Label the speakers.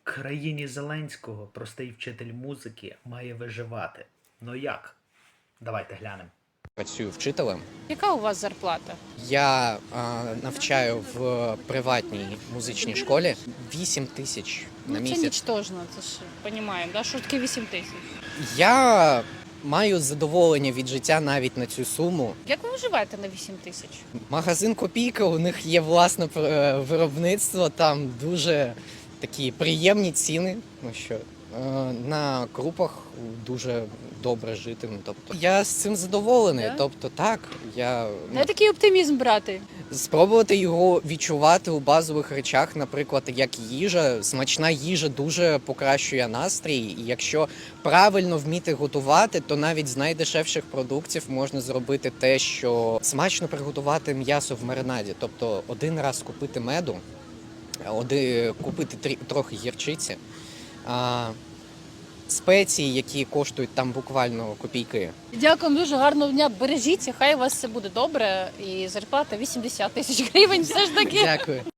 Speaker 1: Країні Зеленського простий вчитель музики має виживати. Ну як? Давайте глянемо.
Speaker 2: Працюю вчителем.
Speaker 3: Яка у вас зарплата?
Speaker 2: Я навчаю в приватній музичній школі 8 тисяч на
Speaker 3: Це
Speaker 2: місяць.
Speaker 3: нічтожно, це ж розуміємо, да? Що таке 8 тисяч?
Speaker 2: Я маю задоволення від життя навіть на цю суму.
Speaker 3: Як ви виживаєте на 8 тисяч?
Speaker 2: Магазин Копійка, у них є власне виробництво, там дуже такі приємні ціни. Ну що на крупах дуже добре жити. Ну, тобто я з цим задоволений.
Speaker 3: Да?
Speaker 2: Тобто так, я
Speaker 3: Не такий оптимізм брати.
Speaker 2: спробувати його відчувати у базових речах, наприклад, як їжа. Смачна їжа дуже покращує настрій. І якщо правильно вміти готувати, то навіть з найдешевших продуктів можна зробити те, що смачно приготувати м'ясо в маринаді. Тобто один раз купити меду, купити трохи гірчиці, спеції, які коштують там буквально копійки.
Speaker 3: Дякую, дуже гарного дня. Бережіться, хай у вас все буде добре. І зарплата 80 тисяч гривень все ж таки.
Speaker 2: Дякую.